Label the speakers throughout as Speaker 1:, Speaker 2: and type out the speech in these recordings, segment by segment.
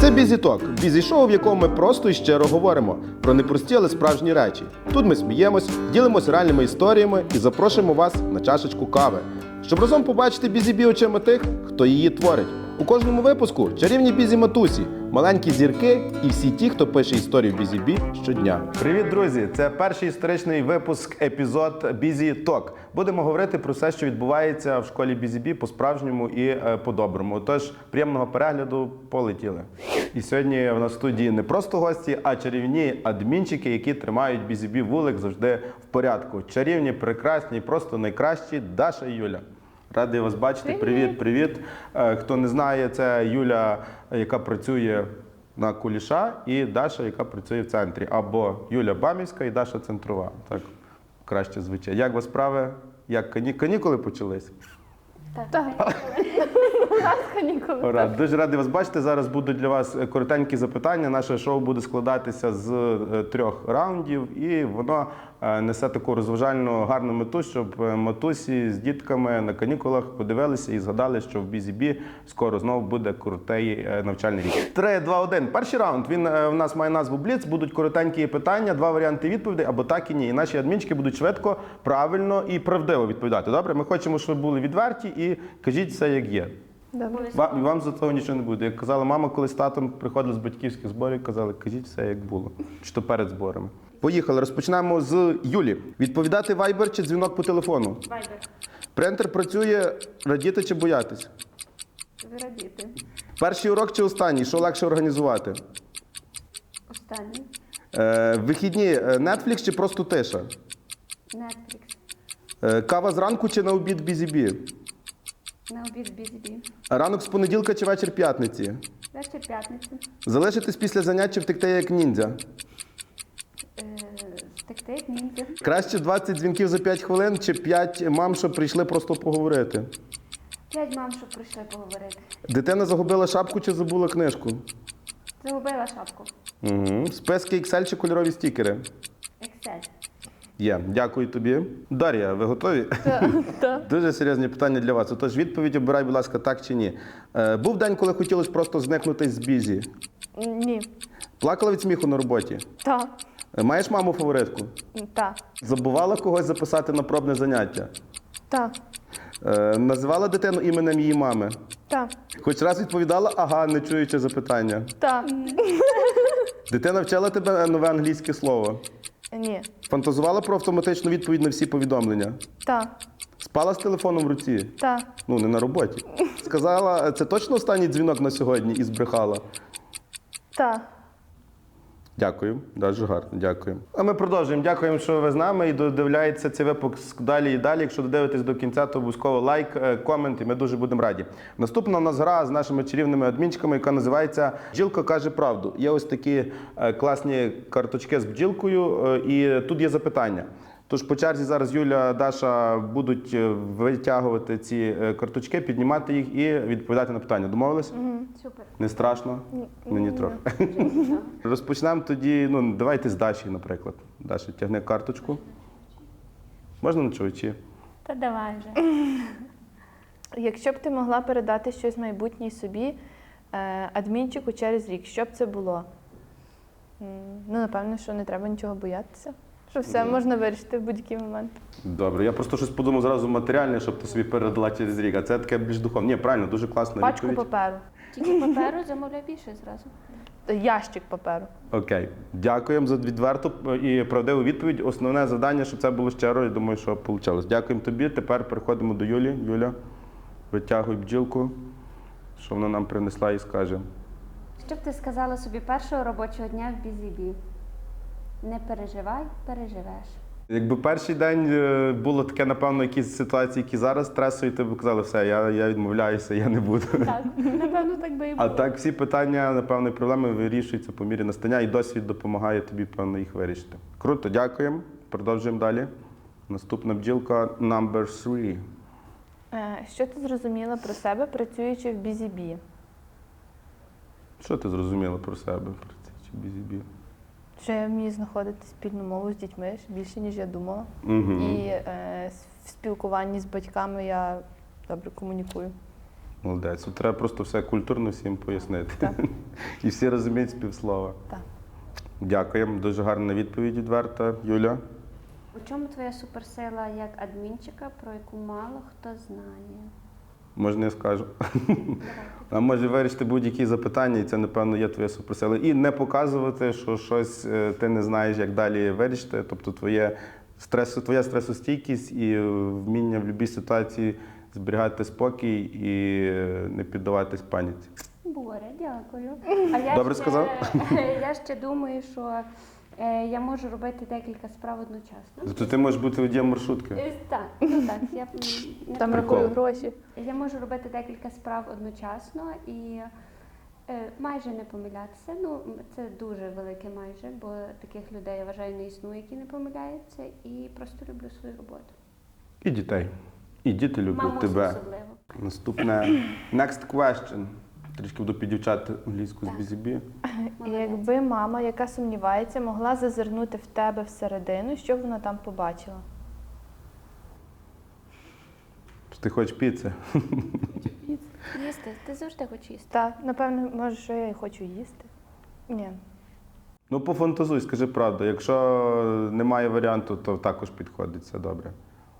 Speaker 1: Це Бізі-ток – бізі-шоу, в якому ми просто і щиро говоримо про непрості, але справжні речі. Тут ми сміємось, ділимося реальними історіями і запрошуємо вас на чашечку кави, щоб разом побачити бізі-бі очима тих, хто її творить. У кожному випуску чарівні бізі-матусі, маленькі зірки і всі ті, хто пише історію бізі-бі щодня. Привіт, друзі! Це перший історичний випуск, епізод Бізі-ток. Будемо говорити про все, що відбувається в школі Бізі-бі по-справжньому і по-доброму. Тож, приємного перегляду, полетіли. І сьогодні в нас в студії не просто гості, а чарівні адмінчики, які тримають Бізі-бі вулик завжди в порядку. Чарівні, прекрасні, просто найкращі Даша і Юля. Радий вас бачити. Привіт. Хто не знає, це Юля, яка працює на Куліша, і Даша, яка працює в центрі. Або Юля Бамівська і Даша Центрова. Так краще звучить. Як у вас справи? Як канікули почались?
Speaker 2: Так.
Speaker 1: Ура. Дуже радий вас бачити. Зараз будуть для вас коротенькі запитання. Наше шоу буде складатися з 3 раундів, і воно несе таку розважальну, гарну мету, щоб матусі з дітками на канікулах подивилися і згадали, що в Бізі-бі скоро знову буде крутий навчальний рік. 3, 2, 1. Перший раунд. Він в нас має назву Бліц. Будуть коротенькі питання, 2 варіанти відповідей, або так і ні. І наші адмінчики будуть швидко, правильно і правдиво відповідати. Добре? Ми хочемо, щоб ви були відверті і кажіть все, як є. Вам за того нічого не буде. Як казала мама, коли з татом приходили з батьківських зборів, казали, кажіть все, як було. Чи то перед зборами. Поїхали. Розпочнемо з Юлі. Відповідати вайбер чи дзвінок по телефону?
Speaker 2: Вайбер.
Speaker 1: Принтер працює, радіти чи боятись?
Speaker 2: Радіти.
Speaker 1: Перший урок чи останній? Що легше організувати?
Speaker 2: Останній.
Speaker 1: Вихідні Netflix чи просто тиша?
Speaker 2: Netflix.
Speaker 1: Кава зранку чи на обід Бізі-бі?
Speaker 2: На обід Бізі-бі.
Speaker 1: Ранок з понеділка чи вечір п'ятниці?
Speaker 2: Вечір п'ятниці.
Speaker 1: Залишитись після занять чи втекти як ніндзя?
Speaker 2: Втекти як ніндзя.
Speaker 1: Краще 20 дзвінків за 5 хвилин чи 5 мам, що прийшли просто поговорити?
Speaker 2: 5 мам, що прийшли поговорити.
Speaker 1: Дитина загубила шапку чи забула книжку?
Speaker 2: Загубила шапку.
Speaker 1: Угу. Списки Excel чи кольорові стікери?
Speaker 2: Excel.
Speaker 1: Є. Дякую тобі. Дар'я, ви готові?
Speaker 2: Так.
Speaker 1: Дуже серйозні питання для вас. Отож, відповідь обирай, будь ласка, так чи ні. Був день, коли хотілося просто зникнути з Бізі?
Speaker 3: Ні.
Speaker 1: Плакала від сміху на роботі?
Speaker 3: Так.
Speaker 1: Маєш маму-фаворитку?
Speaker 3: Так.
Speaker 1: Забувала когось записати на пробне заняття?
Speaker 3: Так.
Speaker 1: Називала дитину іменем її мами?
Speaker 3: Так.
Speaker 1: Хоч раз відповідала «ага», не чуючи запитання?
Speaker 3: Так.
Speaker 1: Дитина вчила тебе нове англійське слово?
Speaker 3: Ні.
Speaker 1: Фантазувала про автоматичну відповідь на всі повідомлення?
Speaker 3: Так.
Speaker 1: Спала з телефоном в руці?
Speaker 3: Так.
Speaker 1: Ну, не на роботі. Сказала, це точно останній дзвінок на сьогодні і збрехала?
Speaker 3: Так.
Speaker 1: Дякую, дуже гарно, дякую. А ми продовжуємо. Дякуємо, що ви з нами і додивляєтеся цей випуск далі і далі. Якщо додивитесь до кінця, то обов'язково лайк, комент, і ми дуже будемо раді. Наступна у нас гра з нашими чарівними адмінчиками, яка називається «Бджілка каже правду». Є ось такі класні карточки з бджілкою, і тут є запитання. Тож по черзі зараз Юля, Даша будуть витягувати ці карточки, піднімати їх і відповідати на питання. Домовились?
Speaker 2: Супер.
Speaker 1: Не страшно? Мені трохи. Розпочнемо тоді, давайте з Даші, наприклад. Даша, тягни карточку. Можна на чувачі?
Speaker 2: Та давай вже.
Speaker 3: Якщо б ти могла передати щось майбутнє собі, адмінчику через рік, що б це було? Напевно, що не треба нічого боятися. Що все можна вирішити в будь-який момент.
Speaker 1: Добре, я просто щось подумав зразу матеріальне, щоб ти собі передала через рік, а це таке більш духовне. Ні, правильно, дуже класна
Speaker 3: Пачку
Speaker 1: відповідь.
Speaker 3: паперу.
Speaker 2: Тільки паперу замовляй більше зразу.
Speaker 3: Ящик паперу.
Speaker 1: Окей. Дякуємо за відверту і правдиву відповідь. Основне завдання, щоб це було щиро, я думаю, що вийшло. Дякуємо тобі. Тепер переходимо до Юлі. Юля, витягуй бджілку, що вона нам принесла і скаже.
Speaker 2: Що б ти сказала собі першого робочого дня в Бізі-бі? Не переживай, переживеш.
Speaker 1: Якби перший день було таке, напевно, якісь ситуації, які зараз стресові, ти б казали, все, я відмовляюся, я не буду.
Speaker 2: Так, напевно, так би і було.
Speaker 1: А так всі питання, напевно, і проблеми вирішуються по мірі настання, і досвід допомагає тобі, певно, їх вирішити. Круто, дякуємо. Продовжуємо далі. Наступна бджілка number 3.
Speaker 3: Що ти зрозуміла про себе, працюючи в Бізі-бі?
Speaker 1: Що ти зрозуміла про себе, працюючи в Бізі-бі?
Speaker 3: Що я вмію знаходити спільну мову з дітьми більше, ніж я думала.
Speaker 1: Угу.
Speaker 3: І в спілкуванні з батьками я добре комунікую.
Speaker 1: Молодець. Тут треба просто все культурно всім пояснити.
Speaker 3: Так.
Speaker 1: І всі розуміють співслова.
Speaker 3: Так.
Speaker 1: Дякуємо. Дуже гарна відповідь відверта. Юля?
Speaker 2: У чому твоя суперсила як адмінчика, про яку мало хто знає?
Speaker 1: Можна я скажу? А може вирішити будь-які запитання, і це, напевно, є твоя суперсила. І не показувати, що щось ти не знаєш, як далі вирішити. Тобто твоя стресостійкість і вміння в будь-якій ситуації зберігати спокій і не піддаватись паніці.
Speaker 2: Боря, дякую. А я
Speaker 1: Добре сказав?
Speaker 2: Я ще думаю, що я можу робити декілька справ одночасно.
Speaker 1: Тобто ти можеш бути водієм маршрутки?
Speaker 2: Так, ну так. Я не
Speaker 3: Там
Speaker 1: Прикол.
Speaker 3: рахую гроші.
Speaker 2: Я можу робити декілька справ одночасно і майже не помилятися. Ну, це дуже велике майже, бо таких людей, я вважаю, не існує, які не помиляються. І просто люблю свою роботу.
Speaker 1: І дітей. І діти люблять
Speaker 2: Мамусю
Speaker 1: тебе.
Speaker 2: особливо.
Speaker 1: Наступне. Next question. Трішки буду підівчати англійську з
Speaker 2: Так.
Speaker 1: BZB.
Speaker 3: І якби мама, яка сумнівається, могла зазирнути в тебе всередину, що б вона там побачила?
Speaker 1: Ти хочеш піци?
Speaker 2: Їсти, ти завжди хочеш їсти.
Speaker 3: Так, напевно, може, що я і хочу їсти. Ні.
Speaker 1: Ну, пофантазуй, скажи правду. Якщо немає варіанту, то також підходить, все добре.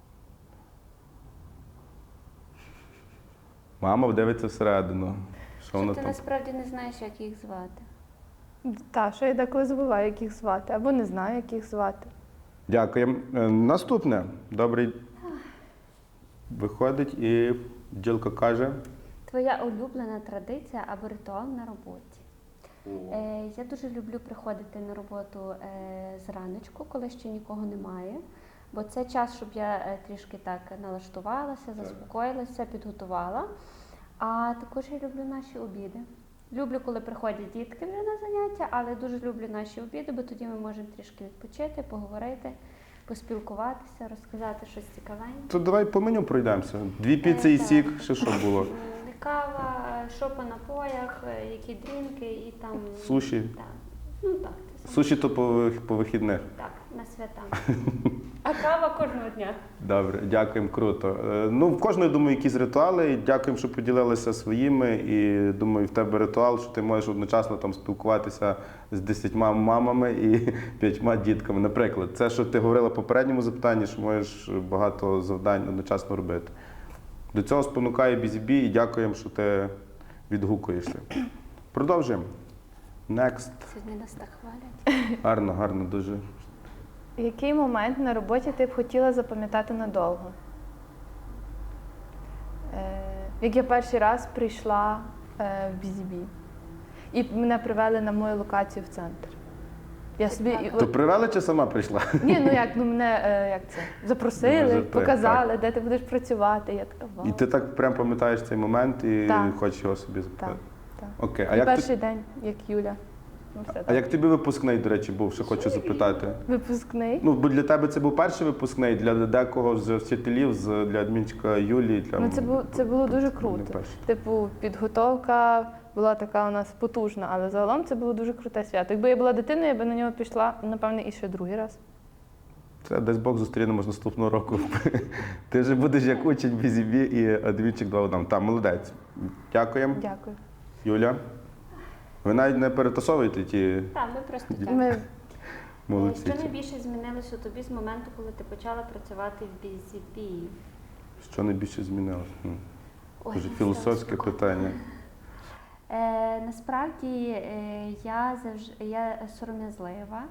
Speaker 1: Мама дивиться всередину. Що вона
Speaker 2: Що ти
Speaker 1: там?
Speaker 2: насправді не знаєш, як їх звати.
Speaker 3: Так, що я деколи забуваю, як їх звати, або не знаю, як їх звати.
Speaker 1: Дякуємо. Наступне. Добрий. Виходить і бджілка каже.
Speaker 2: Твоя улюблена традиція або ритуал на роботі? Я дуже люблю приходити на роботу зраночку, коли ще нікого немає. Бо це час, щоб я трішки так налаштувалася, заспокоїлася, підготувала. А також я люблю наші обіди. Люблю, коли приходять дітки вже на заняття, але дуже люблю наші обіди, бо тоді ми можемо трішки відпочити, поговорити, поспілкуватися, розказати щось цікавеньке.
Speaker 1: То давай по меню пройдемося. 2 піци і
Speaker 2: Так.
Speaker 1: сік. Ще що було?
Speaker 2: Кава, що по напоях, які дрінки і там...
Speaker 1: Суші.
Speaker 2: Так. Ну так, це саме.
Speaker 1: Суші то по вихідних.
Speaker 2: Так, на свята. А кава кожного дня.
Speaker 1: Добре, дякуємо, круто. Ну, в кожної, думаю, якісь ритуали. Дякуємо, що поділилися своїми. І думаю, в тебе ритуал, що ти можеш одночасно там спілкуватися з 10 мамами і 5 дітками. Наприклад, це, що ти говорила в попередньому запитанні, що можеш багато завдань одночасно робити. До цього спонукає BZB і дякуємо, що ти відгукуєшся. Продовжуємо. Next.
Speaker 2: Сьогодні нас так хвалять.
Speaker 1: Гарно, гарно, дуже.
Speaker 3: Який момент на роботі ти б хотіла запам'ятати надовго? Як я перший раз прийшла в BZB і мене привели на мою локацію в центр. Я собі...
Speaker 1: То привели чи сама прийшла?
Speaker 3: Ні, ну як, ну мене як це, запросили,
Speaker 1: Може,
Speaker 3: показали, де ти будеш працювати. Я така, вау.
Speaker 1: І ти так прям пам'ятаєш цей момент і
Speaker 3: Так.
Speaker 1: хочеш його собі запитати?
Speaker 3: Так.
Speaker 1: Окей.
Speaker 3: І перший день, як Юля. Ну, все
Speaker 1: А
Speaker 3: так.
Speaker 1: як тобі випускний, до речі, був, що хочу запитати?
Speaker 3: Випускний?
Speaker 1: Ну, бо для тебе це був перший випускний, для декого з вчителів, для адмінчика Юлії. Для...
Speaker 3: Ну, це було дуже
Speaker 1: Не
Speaker 3: круто.
Speaker 1: перший.
Speaker 3: Типу, підготовка була така у нас потужна, але загалом це було дуже круте свято. Якби я була дитиною, я б на нього пішла, напевне, і ще другий раз.
Speaker 1: Це десь Бог зустрінемось наступного року. Ти вже будеш як учень BZB і адмінчик 2 в 1. Там, молодець. Дякуємо.
Speaker 3: Дякую.
Speaker 1: Юля, ви навіть не перетасовуєте ті
Speaker 2: Так, ми просто так.
Speaker 3: Ми
Speaker 1: молодці.
Speaker 2: Що найбільше змінилось у тобі з моменту, коли ти почала працювати в BZB?
Speaker 1: Що найбільше змінилося?
Speaker 2: Ой,
Speaker 1: Дуже
Speaker 2: ну,
Speaker 1: філософське
Speaker 2: страшно.
Speaker 1: питання.
Speaker 2: Насправді я сором'язлива.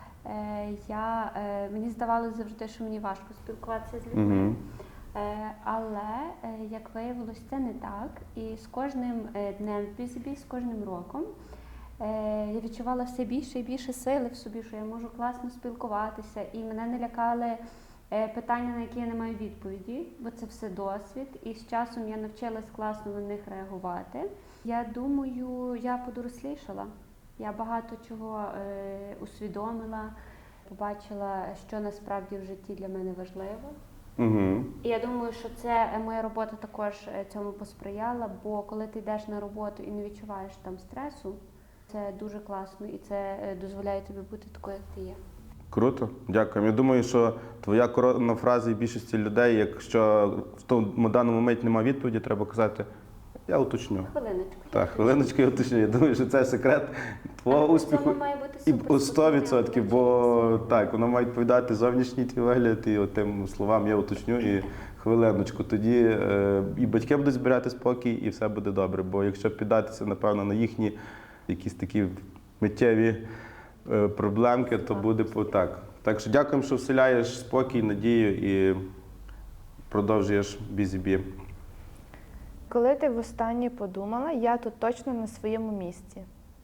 Speaker 2: Мені здавалося завжди, що мені важко спілкуватися з людьми.
Speaker 1: Угу.
Speaker 2: Але, як виявилось, це не так. І з кожним днем в BZB, з кожним роком я відчувала все більше і більше сили в собі, що я можу класно спілкуватися. І мене не лякали питання, на які я не маю відповіді, бо це все досвід. І з часом я навчилась класно на них реагувати. Я думаю, я подорослішала. Я багато чого усвідомила, побачила, що насправді в житті для мене важливо.
Speaker 1: Угу.
Speaker 2: І я думаю, що це моя робота також цьому посприяла, бо коли ти йдеш на роботу і не відчуваєш там стресу, це дуже класно і це дозволяє тобі бути такою, як ти є.
Speaker 1: Круто, дякую. Я думаю, що твоя коронна фраза і більшості людей, якщо в тому даному моменті немає відповіді, треба казати Я уточню.
Speaker 2: Хвилиночку.
Speaker 1: Так, хвилиночку я уточню. Я думаю, що це секрет твого
Speaker 2: Але при
Speaker 1: успіху.
Speaker 2: цьому має бути
Speaker 1: І
Speaker 2: супер
Speaker 1: 100%, бо так, воно має відповідати зовнішній твій вигляд, і тим словам я уточню. І хвилиночку, тоді і батьки будуть збирати спокій, і все буде добре. Бо якщо піддатися, напевно, на їхні якісь такі миттєві проблемки, то буде так. Так що дякуємо, що вселяєш спокій, надію і продовжуєш бізі-бі.
Speaker 3: Коли ти востаннє подумала, я тут точно на своєму місці?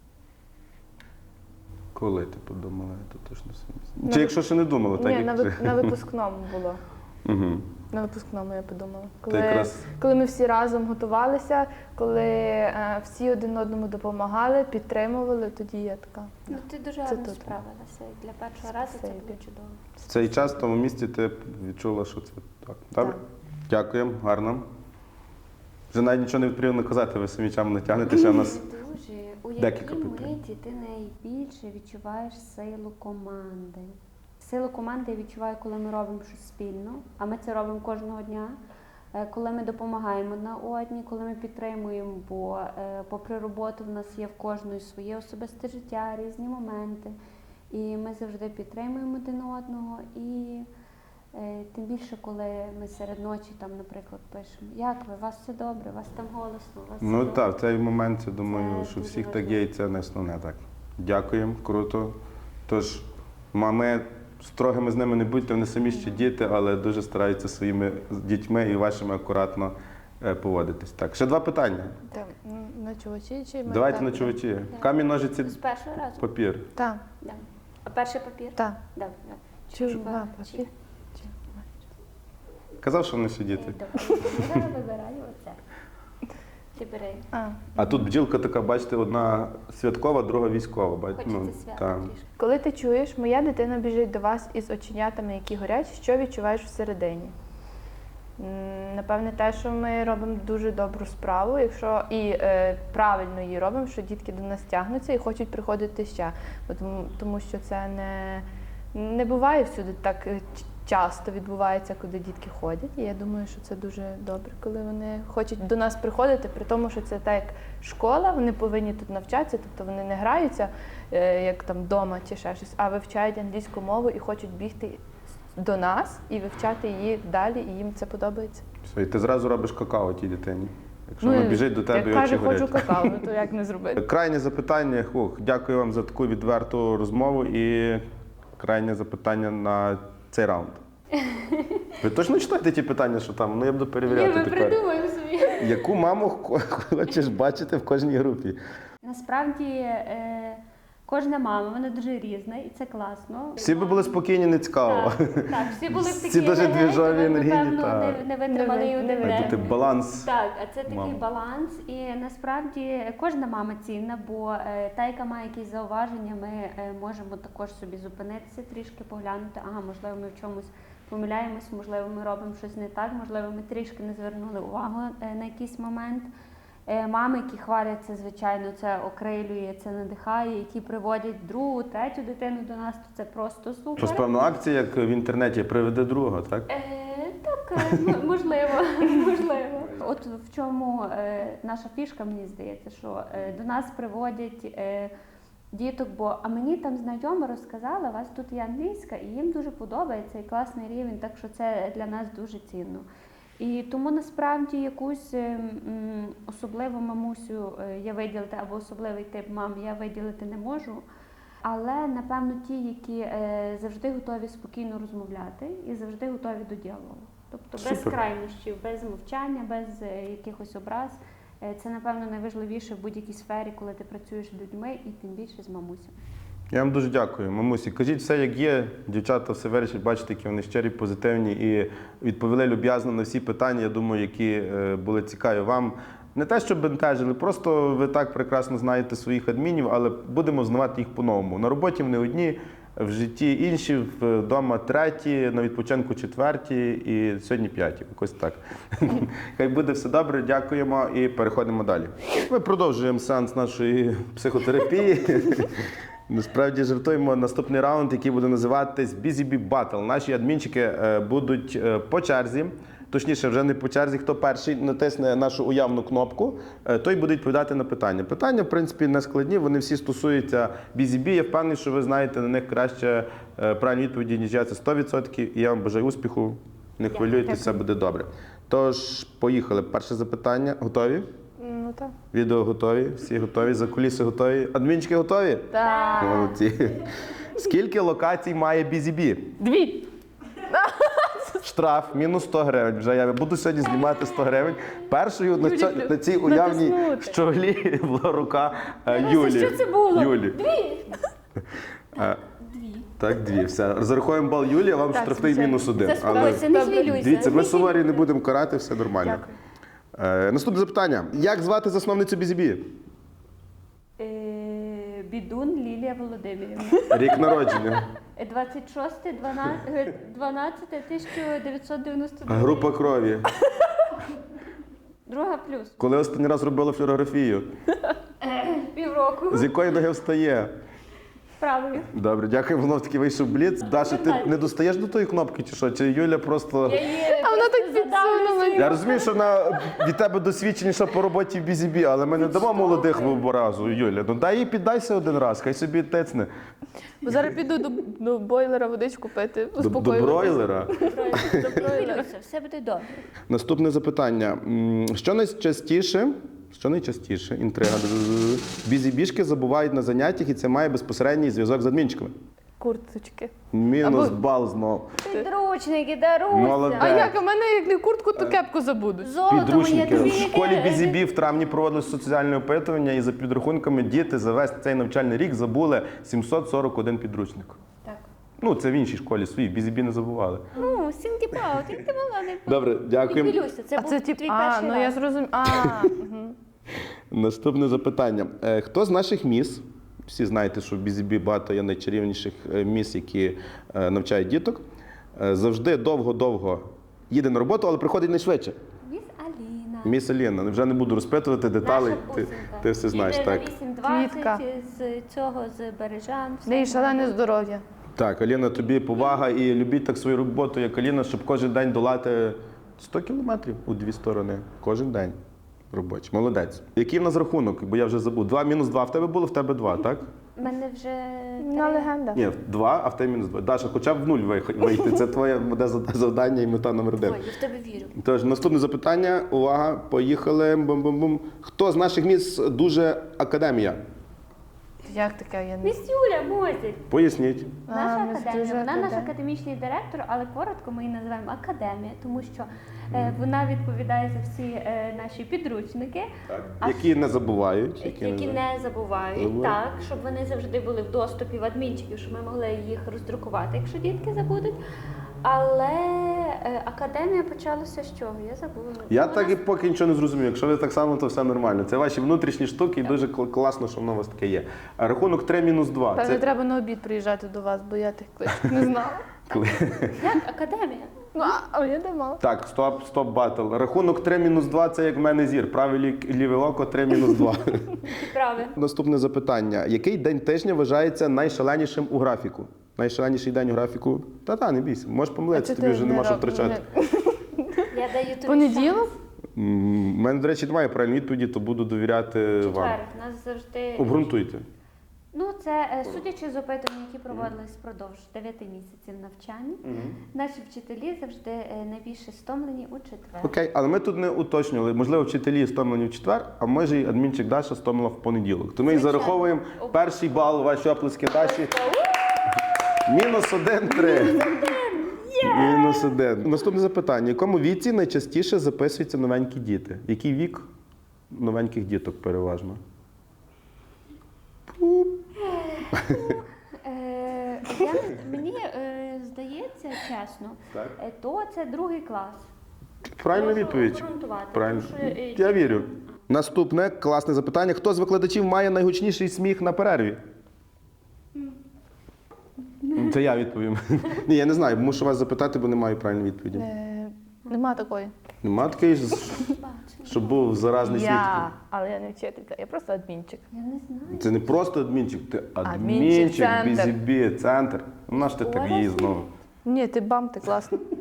Speaker 1: Коли ти подумала, я тут точно собі.
Speaker 3: На
Speaker 1: Чи
Speaker 3: ви-
Speaker 1: якщо ще не думала, так
Speaker 3: Ні,
Speaker 1: як
Speaker 3: на випускному було.
Speaker 1: Угу.
Speaker 3: На випускному я подумала.
Speaker 1: якраз-
Speaker 3: Коли ми всі разом готувалися, коли всі один одному допомагали, підтримували, тоді я така.
Speaker 2: Ну, ти дуже
Speaker 3: Це
Speaker 2: гарно
Speaker 3: тут.
Speaker 2: справилася. І для першого разу це
Speaker 3: Спасибі.
Speaker 2: було чудово.
Speaker 1: В цей час в тому місці ти відчула, що це так. Добре? Дякуємо, гарно. Вже навіть нічого не потрібно казати, ви самі чам натягнете ще в нас.
Speaker 2: Дуже. У
Speaker 1: Декілька
Speaker 2: якій
Speaker 1: питань.
Speaker 2: миті ти найбільше відчуваєш силу команди? Силу команди я відчуваю, коли ми робимо щось спільно, а ми це робимо кожного дня. Коли ми допомагаємо одна одній, коли ми підтримуємо, бо попри роботу в нас є в кожної своє особисте життя, різні моменти. І ми завжди підтримуємо один одного. І тим більше, коли ми серед ночі, там, наприклад, пишемо, як ви, у вас все добре, у вас там голосно, у вас все
Speaker 1: Ну
Speaker 2: добре.
Speaker 1: так, в цей момент, я думаю,
Speaker 2: Це
Speaker 1: що
Speaker 2: дуже
Speaker 1: всіх так
Speaker 2: важливо.
Speaker 1: є, і це не основне. Так. Дякуємо, круто. Тож, ми строгими з ними не будьте, вони самі ще діти, але дуже стараються своїми дітьми і вашими акуратно поводитись. Так, ще два питання.
Speaker 3: Там, ночувачі чи ми
Speaker 1: Давайте
Speaker 3: так?
Speaker 1: ночувачі. Камінь, ножиці,
Speaker 2: З першого разу?
Speaker 1: папір.
Speaker 3: Так,
Speaker 2: Да. А перший папір?
Speaker 3: так.
Speaker 2: Да.
Speaker 3: Чува, папір.
Speaker 1: Казав, що вони ще діти.
Speaker 2: Я вибираю оце. Ти бери.
Speaker 1: А тут бджілка така, бачите, одна святкова, друга військова.
Speaker 2: Хочеться свято
Speaker 1: так.
Speaker 2: трішки.
Speaker 3: Коли ти чуєш, моя дитина біжить до вас із оченятами, які горять, що відчуваєш всередині? Напевне, те, що ми робимо дуже добру справу, якщо і правильно її робимо, що дітки до нас тягнуться і хочуть приходити ще. Тому що це не буває всюди так часто відбувається, куди дітки ходять. І я думаю, що це дуже добре, коли вони хочуть до нас приходити, при тому, що це так як школа, вони повинні тут навчатися, тобто вони не граються, як там вдома чи ще щось, а вивчають англійську мову і хочуть бігти до нас і вивчати її далі, і їм це подобається.
Speaker 1: Все, і ти зразу робиш какао тій дитині. Якщо вона біжить до тебе і
Speaker 3: як
Speaker 1: очі
Speaker 3: каже,
Speaker 1: горять.
Speaker 3: хочу какао, то як не зробити?
Speaker 1: Крайнє запитання. Дякую вам за таку відверту розмову і крайнє запитання на цей раунд. Ви точно читаєте ті питання, що там? Ну я буду перевіряти
Speaker 2: Ми
Speaker 1: тепер.
Speaker 2: придумаємо собі.
Speaker 1: Яку маму хочеш бачити в кожній групі?
Speaker 2: Насправді кожна мама, вона дуже різна, і це класно.
Speaker 1: Всі би були спокійні, не цікаво.
Speaker 2: Так, всі були в
Speaker 1: Всі
Speaker 2: такі
Speaker 1: дуже
Speaker 2: енергії,
Speaker 1: двіжові,
Speaker 2: тому,
Speaker 1: енергійні,
Speaker 2: напевно,
Speaker 1: так.
Speaker 2: не витримали і один
Speaker 3: Не
Speaker 1: Має
Speaker 2: день.
Speaker 1: бути баланс.
Speaker 2: Так, а це такий
Speaker 1: Мама.
Speaker 2: баланс, і насправді кожна мама цінна, бо та, яка має якісь зауваження, ми можемо також собі зупинитися, трішки поглянути, ага, можливо, ми в чомусь помиляємось, можливо, ми робимо щось не так, можливо, ми трішки не звернули увагу на якийсь момент. Мами, які хваляться, звичайно, це окрилює, це надихає, які приводять другу, третю дитину до нас, то це просто супер.
Speaker 1: Щось певно акція, як в інтернеті, приведе друга, так?
Speaker 2: Так, можливо, можливо. От в чому наша фішка, мені здається, що до нас приводять діток, а мені там знайома розказала, у вас тут є англійська, і їм дуже подобається, і класний рівень, так що це для нас дуже цінно. І тому насправді якусь особливу мамусю я виділити, або особливий тип мам я виділити не можу. Але, напевно, ті, які завжди готові спокійно розмовляти і завжди готові до діалогу. Тобто без
Speaker 1: Супер.
Speaker 2: крайнощів, без мовчання, без якихось образ. Це, напевно, найважливіше в будь-якій сфері, коли ти працюєш з людьми і тим більше з мамусями.
Speaker 1: Я вам дуже дякую, мамусі. Кажіть все, як є. Дівчата все вирішать, бачите, які вони щирі, позитивні і відповіли люб'язно на всі питання, я думаю, які були цікаві вам. Не те, що бентежили, просто ви так прекрасно знаєте своїх адмінів, але будемо знавати їх по-новому. На роботі вони одні, в житті інші, вдома треті, на відпочинку четверті і сьогодні п'яті. Якось так. Хай буде все добре, дякуємо і переходимо далі. Ми продовжуємо сеанс нашої психотерапії. Насправді жартуємо наступний раунд, який буде називатись Busy Bee Battle. Наші адмінчики будуть по черзі точніше, вже не по черзі, хто перший натисне нашу уявну кнопку, той буде відповідати на питання. Питання, в принципі, не складні, вони всі стосуються BZB. Я впевнений, що ви знаєте на них краще правильні відповіді, ніж я, це 100%. І я вам бажаю успіху, не хвилюйтесь, все буде добре. Тож, поїхали. Перше запитання. Готові?
Speaker 3: Ну так.
Speaker 1: Відео готові, всі готові, закуліси готові. Адмінчики готові?
Speaker 3: Так.
Speaker 1: Молодці. Скільки локацій має BZB?
Speaker 3: 2.
Speaker 1: Штраф мінус 100 гривень. Вже я буду сьогодні знімати 100 гривень. Першою на цій уявній
Speaker 3: натиснути.
Speaker 1: щоглі була рука Юлі.
Speaker 2: Що це було?
Speaker 1: Юлі. Так, 2. Все. Зарахуємо бал Юлі, а вам
Speaker 3: Так,
Speaker 1: штрафний
Speaker 3: звичайно.
Speaker 1: мінус 1.
Speaker 2: Заспокойся, не хвилюйся.
Speaker 1: Дивіться, ми
Speaker 2: Не
Speaker 1: суворі не будемо карати, все нормально.
Speaker 3: Дякую.
Speaker 1: Наступне запитання. Як звати засновницю BZB?
Speaker 2: Бідун Лілія Володимирівна.
Speaker 1: Рік народження.
Speaker 2: 26.12.1992.
Speaker 1: Група крові.
Speaker 2: Друга плюс.
Speaker 1: Коли останній раз робила флюорографію?
Speaker 2: Півроку.
Speaker 1: З якої ноги встає?
Speaker 2: Правою.
Speaker 1: Добре, дякую, воно таки вийшов бліц. Даша, ти не достаєш до тої кнопки чи що? Чи Юля просто.
Speaker 2: А
Speaker 3: вона так підсунула.
Speaker 1: Я розумію, що вона від тебе досвідченіша по роботі в BZB, але ми не дамо молодих в разу, Юля. Ну дай їй піддайся один раз, хай собі тецне.
Speaker 3: Бо зараз піду до бойлера водичку пити,
Speaker 1: До
Speaker 3: успокоюватись.
Speaker 1: бройлера.
Speaker 2: Не хвилюйся, все буде добре.
Speaker 1: Наступне запитання. Що найчастіше, інтрига, бізібішки забувають на заняттях, і це має безпосередній зв'язок з адмінчиками.
Speaker 3: Курточки.
Speaker 1: Мінус
Speaker 3: Або-
Speaker 1: бал знов.
Speaker 2: Підручники, даруйся.
Speaker 1: Молодець.
Speaker 3: А як? У мене як не куртку, то кепку забудуть.
Speaker 2: Золото моє
Speaker 1: Підручники.
Speaker 2: тобі.
Speaker 1: В школі BZB в травні проводили соціальне опитування, і за підрахунками діти за весь цей навчальний рік забули 741 підручник.
Speaker 2: Так.
Speaker 1: Ну, це в іншій школі свої, BZB не забували.
Speaker 2: Ну, сінтіпаут, як ти мала не
Speaker 1: Добре, дякуємо.
Speaker 2: Не хвилюйся, це
Speaker 3: А
Speaker 2: був
Speaker 3: це
Speaker 2: твій
Speaker 3: тип,
Speaker 2: перший
Speaker 3: ну я
Speaker 2: раз.
Speaker 3: зрозуміла.
Speaker 1: Наступне запитання. Хто з наших міс, всі знаєте, що в BZB багато є найчарівніших міс, які навчають діток, завжди довго-довго їде на роботу, але приходить найшвидше?
Speaker 2: Міс Аліна.
Speaker 1: Міс Аліна. Вже не буду розпитувати деталей,
Speaker 2: Наша
Speaker 1: ти,
Speaker 2: бусинка.
Speaker 1: ти все знаєш,
Speaker 2: Їде
Speaker 1: так.
Speaker 2: на
Speaker 3: Квітка.
Speaker 2: 8:20 з цього, з Бережан.
Speaker 3: В неї шалене здоров'я.
Speaker 1: Так, Аліна, тобі повага і любіть так свою роботу, як Аліна, щоб кожен день долати 100 кілометрів у дві сторони. Кожен день робочий. Молодець. Який в нас рахунок? Бо я вже забув. 2 мінус 2 в тебе було, в тебе 2, так?
Speaker 2: У мене вже
Speaker 3: На
Speaker 2: 3.
Speaker 3: легенда.
Speaker 1: Ні, 2, а в тебе мінус 2. Даша, хоча б в 0 вийти. Це твоє буде завдання і мета номер 1.
Speaker 2: Ой, я в тебе вірю.
Speaker 1: Тож, наступне запитання. Увага, поїхали. Бум-бум-бум. Хто з наших міст дуже академія?
Speaker 3: Як таке? Я не...
Speaker 2: Міс Юля Мозіль.
Speaker 1: Поясніть.
Speaker 2: Наша
Speaker 3: ми
Speaker 2: академія,
Speaker 3: дуже
Speaker 2: вона наш
Speaker 3: академія.
Speaker 2: академічний директор, але коротко ми її називаємо академія, тому що вона відповідає за всі наші підручники, а
Speaker 1: Які не забувають.
Speaker 2: які не забувають, так, щоб вони завжди були в доступі в адмінчиків, щоб ми могли їх роздрукувати, якщо дітки забудуть. Але академія почалася з чого? Я забула.
Speaker 1: Я
Speaker 2: Ну,
Speaker 1: так і поки нічого не зрозумів. Якщо ви так само, то все нормально. Це ваші внутрішні штуки, і дуже класно, що воно у вас таке є. А рахунок 3 мінус 2.
Speaker 3: Певне, треба на обід приїжджати до вас, бо я тих кличок не знала.
Speaker 2: Як академія?
Speaker 3: Ну, а я не мала.
Speaker 1: Так, стоп батл. Рахунок 3 мінус 2 це як в мене зір. Праве ліве око 3 мінус 2.
Speaker 2: Правильно.
Speaker 1: Наступне запитання. Який день тижня вважається найшаленішим у графіку? Найшаленіший день у графіку? Та, не бійся. Можеш помилитися, тобі вже нема що втрачати.
Speaker 2: Я даю тобі
Speaker 3: Понеділок?
Speaker 1: У мене, до речі, немає правильної відповіді, то буду довіряти вам.
Speaker 2: Четвер. У нас завжди.
Speaker 1: Обґрунтуйте.
Speaker 2: Ну, це судячи з опитувань, які проводились впродовж 9 місяців навчання, наші вчителі завжди найбільше стомлені у четвер.
Speaker 1: Окей, але ми тут не уточнювали. Можливо, вчителі стомлені в четвер, а може і адмінчик Даша стомила в понеділок. То ми і
Speaker 2: Звичайно.
Speaker 1: зараховуємо перший бал, ваші оплески Даші. Мінус 1-3. Мінус 1. Наступне запитання. В якому віці найчастіше записуються новенькі діти? Який вік новеньких діток переважно?
Speaker 2: Мені здається, чесно,
Speaker 1: Так.
Speaker 2: то це другий клас.
Speaker 1: Правильна
Speaker 2: Можу
Speaker 1: відповідь.
Speaker 2: обґрунтувати,
Speaker 1: Правильно.
Speaker 2: тому що,
Speaker 1: Я вірю. Наступне класне запитання. Хто з викладачів має найгучніший сміх на перерві? Це я відповім. Ні, я не знаю, мушу вас запитати, бо не маю правильної відповіді.
Speaker 3: Нема такої.
Speaker 1: Нема такий, щоб був заразний сміх.
Speaker 3: Але я не вчителька, я просто адмінчик.
Speaker 2: Я не знаю.
Speaker 1: Це не просто адмінчик, ти
Speaker 3: Адмінчик,
Speaker 1: адмінчик,
Speaker 3: центр.
Speaker 1: BZB, центр. Ну, наш ти так її знову.
Speaker 3: Ні, ти бам, ти класно.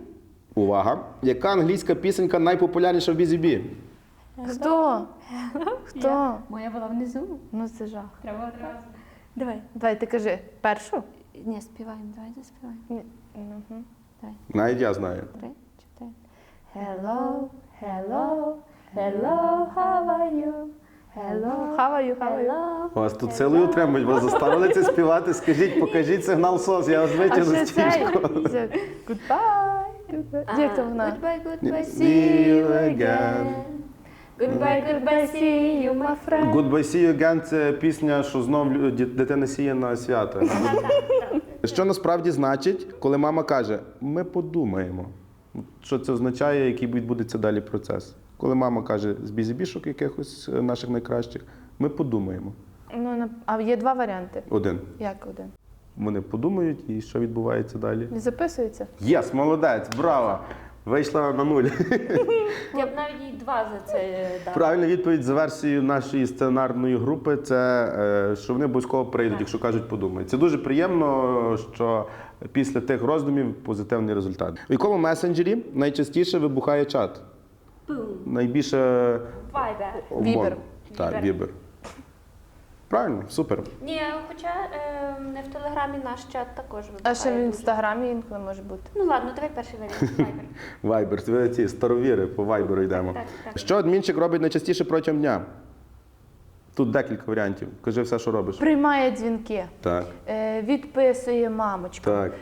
Speaker 1: Увага! Яка англійська пісенька найпопулярніша в Бізі-Бі?
Speaker 3: Хто? Хто?
Speaker 2: Моя була внизу.
Speaker 3: Ну це жах.
Speaker 2: Треба одразу. Давай.
Speaker 3: Давай, ти кажи першу?
Speaker 2: Ні, співаємо, давай заспіваємо.
Speaker 3: Ні. Мгм.
Speaker 2: Давай.
Speaker 1: Навіть я знаю.
Speaker 2: 3, 4. Hello, hello, hello, how are you? Hello,
Speaker 3: Хаваю.
Speaker 2: hello.
Speaker 1: Вас тут силою утримують, вас заставили це співати. Скажіть, покажіть сигнал СОС, я вас
Speaker 3: А
Speaker 1: витягну
Speaker 3: ще
Speaker 1: з
Speaker 3: цей.
Speaker 1: стічку.
Speaker 3: Goodbye. Як це вона?
Speaker 2: Goodbye, goodbye,
Speaker 1: See
Speaker 2: see
Speaker 1: you
Speaker 2: you
Speaker 1: again.
Speaker 2: again. Goodbye, goodbye, see you, my friend.
Speaker 1: Goodbye See You Again – це пісня, що знов дитина сіє на свято. Що насправді значить, коли мама каже «ми подумаємо»? Що це означає, який відбудеться далі процес? Коли мама каже з бізібішок якихось наших найкращих, ми подумаємо.
Speaker 3: Ну, а є два варіанти.
Speaker 1: Один.
Speaker 3: Як один?
Speaker 1: Вони подумають, і що відбувається далі?
Speaker 3: Не записується?
Speaker 1: Єс, молодець, браво! Вийшла на нуль.
Speaker 2: Я б навіть їй 2 за це дала.
Speaker 1: Правильна відповідь за версією нашої сценарної групи – це що вони обов'язково прийдуть, якщо кажуть подумають. Це дуже приємно, що після тих роздумів позитивний результат. У якому месенджері найчастіше вибухає чат? Найбільше
Speaker 2: Viber.
Speaker 1: обмон.
Speaker 3: Вібер.
Speaker 1: Так,
Speaker 2: Вібер.
Speaker 1: Вібер. Правильно, супер.
Speaker 2: Ні, хоча не в Телеграмі наш чат також вибухає.
Speaker 3: А ще в
Speaker 2: дуже.
Speaker 3: інстаграмі інколи може бути.
Speaker 2: Ну ладно, давай перший варіант. Viber.
Speaker 1: Вайбер, ви ці старовіри по вайберу йдемо.
Speaker 2: Так.
Speaker 1: Що адмінчик робить найчастіше протягом дня? Тут декілька варіантів. Кажи все, що робиш.
Speaker 3: Приймає дзвінки,
Speaker 1: Так,
Speaker 3: відписує мамочку,
Speaker 1: так.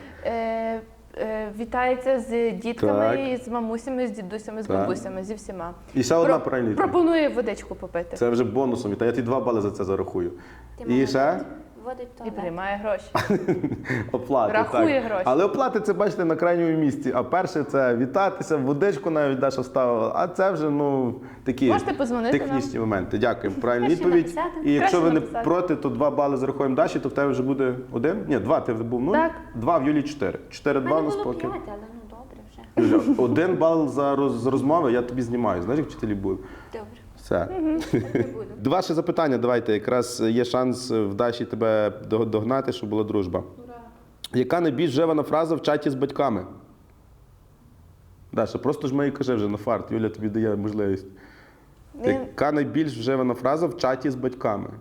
Speaker 3: вітається з дітками,
Speaker 1: Так.
Speaker 3: і з мамусями, з дідусями, з
Speaker 1: Так.
Speaker 3: бабусями, зі всіма.
Speaker 1: І ще одна правильна відповідь.
Speaker 3: Пропонує водичку попити.
Speaker 1: Це вже бонусом. Та я ті 2 бали за це зарахую.
Speaker 2: Ти
Speaker 1: І
Speaker 2: молодець.
Speaker 1: ще
Speaker 2: Вводить
Speaker 3: І
Speaker 2: туалет.
Speaker 3: приймає гроші.
Speaker 1: оплати.
Speaker 3: Рахує
Speaker 1: так.
Speaker 3: гроші.
Speaker 1: Але оплати це бачите на крайньому місці. А перше це вітатися, водичку навіть Даша ставила. А це вже такі
Speaker 3: Можете подзвонити
Speaker 1: технічні моменти. Дякую. Правильна
Speaker 2: Краще
Speaker 1: відповідь.
Speaker 2: написати.
Speaker 1: І якщо
Speaker 3: Краще
Speaker 1: ви не
Speaker 3: написати.
Speaker 1: проти, то 2 бали зарахуємо Даші, то в тебе вже буде 1? Ні, 2, ти був 0.
Speaker 3: Так.
Speaker 1: 2 в Юлі 4.
Speaker 2: У
Speaker 1: 4-2
Speaker 2: мене
Speaker 1: у нас
Speaker 2: було
Speaker 1: поки.
Speaker 2: 5, але ну добре вже.
Speaker 1: Юля, 1 бал за з розмови, я тобі знімаю. Знаєш, як вчителі були?
Speaker 2: Добре.
Speaker 1: Все.
Speaker 2: Не буду.
Speaker 1: Два ще запитання давайте. Якраз є шанс в Даші тебе догнати, щоб була дружба. Яка найбільш вживана фраза в чаті з батьками? Даша, просто ж мені кажи вже на фарт. Юля тобі дає можливість. Яка найбільш вживана фраза в чаті з батьками?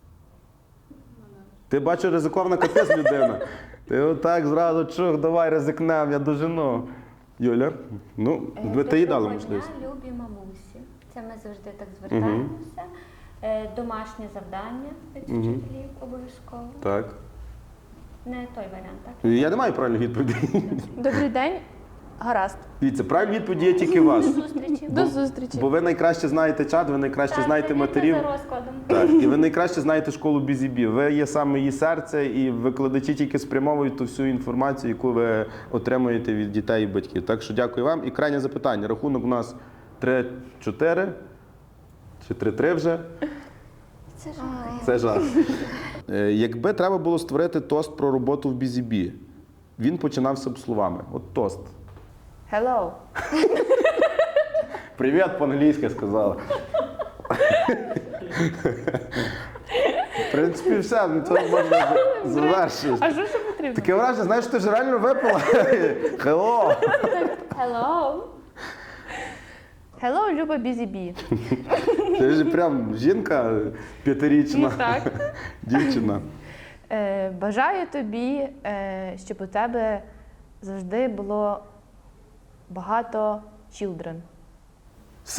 Speaker 1: Ти бачу, ризикована капець людина. Ти отак зразу чух, давай ризикнем, я дожену. Юля, ну, ти їй дали
Speaker 2: Доброго
Speaker 1: можливість.
Speaker 2: дня, любі мамусі. Це ми завжди так звертаємося. Домашнє завдання від вчителів обов'язково.
Speaker 1: Так.
Speaker 2: Не той варіант, так?
Speaker 1: Я не маю правильної відповіді.
Speaker 3: Добрий день, гаразд.
Speaker 1: Дивіться, правильні відповіді є тільки у вас.
Speaker 2: До зустрічі.
Speaker 3: До зустрічі.
Speaker 1: Бо ви найкраще знаєте чат, ви найкраще знаєте
Speaker 2: видно
Speaker 1: матерів.
Speaker 2: за розкладом.
Speaker 1: Так, і ви найкраще знаєте школу Бізі-Бі. Ви є саме її серце, і викладачі тільки спрямовують ту всю інформацію, яку ви отримуєте від дітей і батьків. Так що дякую вам. І крайнє запитання. Рахунок у нас 3-4 чи 3-3 вже.
Speaker 2: Це жах.
Speaker 1: Це жах. Якби треба було створити тост про роботу в Бізі-Бі, він починався б словами. От тост.
Speaker 3: Hello.
Speaker 1: Привіт, по-англійськи сказала. В принципі, все, на цьому можна завершити.
Speaker 3: А що ще потрібно?
Speaker 1: Таке враження, знаєш, ти ж реально випила. Hello.
Speaker 2: Hello.
Speaker 3: Hello, Люба Бізі-Бі.
Speaker 1: Ти ж прям жінка 5-річна.
Speaker 3: Ну, так.
Speaker 1: Дівчина.
Speaker 3: Бажаю тобі, щоб у тебе завжди було багато children.
Speaker 1: С.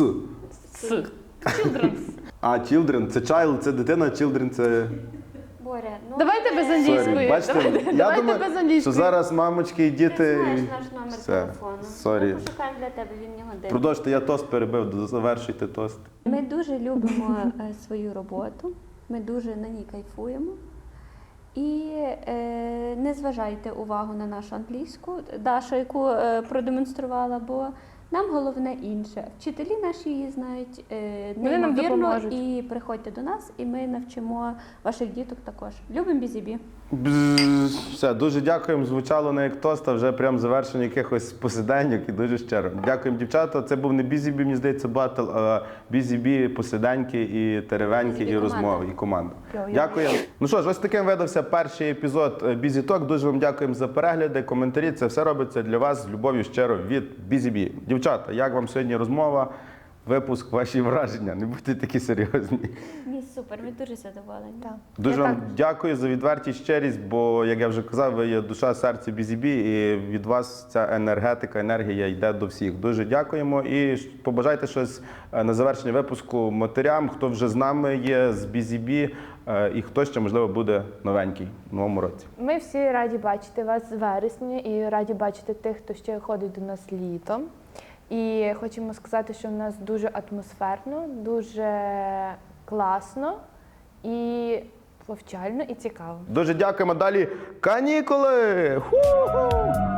Speaker 1: А, children, це child, це дитина, children, це...
Speaker 2: Боря, ну
Speaker 3: Давайте без англійської.
Speaker 1: Sorry. Бачите, я
Speaker 3: Давайте
Speaker 1: думаю,
Speaker 3: без англійської.
Speaker 1: що зараз мамочки і
Speaker 2: ти
Speaker 1: діти...
Speaker 2: знаєш наш номер
Speaker 1: Все.
Speaker 2: телефону.
Speaker 1: Sorry.
Speaker 2: Ми пошукаємо для тебе, він не годин.
Speaker 1: Продовжте, я тост перебив, завершуйте тост.
Speaker 2: Ми дуже любимо свою роботу, ми дуже на ній кайфуємо. І не зважайте увагу на нашу англійську, Даша, яку продемонструвала, бо нам головне інше. Вчителі наші її знають
Speaker 3: Вони нам
Speaker 2: неймовірно,
Speaker 3: допоможуть.
Speaker 2: і приходьте до нас, і ми навчимо ваших діток також. Любимо Бізі-Бі.
Speaker 1: Все, дуже дякуємо. Звучало не як тост, а вже прям завершення якихось посиденьок і дуже щиро. Дякуємо, дівчата. Це був не бізібі, мені здається, батл, а бізібі, посиденьки і теревеньки,
Speaker 2: Бізі-бі
Speaker 1: і
Speaker 2: команда.
Speaker 1: розмови, і команда.
Speaker 3: Йо-йо.
Speaker 1: Дякуємо. Ну що ж, ось таким видався перший епізод Бізі Ток. Дуже вам дякуємо за перегляди, коментарі. Це все робиться для вас з любов'ю щиро від Бізібі. Дівчата, як вам сьогодні розмова? Випуск, ваші враження. Не будьте такі серйозні.
Speaker 2: Ні, супер, ми дуже задоволені.
Speaker 3: Так.
Speaker 1: Дуже
Speaker 3: Я
Speaker 1: вам
Speaker 3: так-
Speaker 1: дякую за відвертість, щирість, бо, як я вже казав, ви є душа, серце Бізібі, і від вас ця енергетика, енергія йде до всіх. Дуже дякуємо і побажайте щось на завершення випуску матерям, хто вже з нами є, з Бізібі, і хто ще, можливо, буде новенький в новому році.
Speaker 3: Ми всі раді бачити вас з вересня і раді бачити тих, хто ще ходить до нас літом. І хочемо сказати, що в нас дуже атмосферно, дуже класно і повчально і цікаво.
Speaker 1: Дуже дякуємо. Далі канікули! Ху-ху!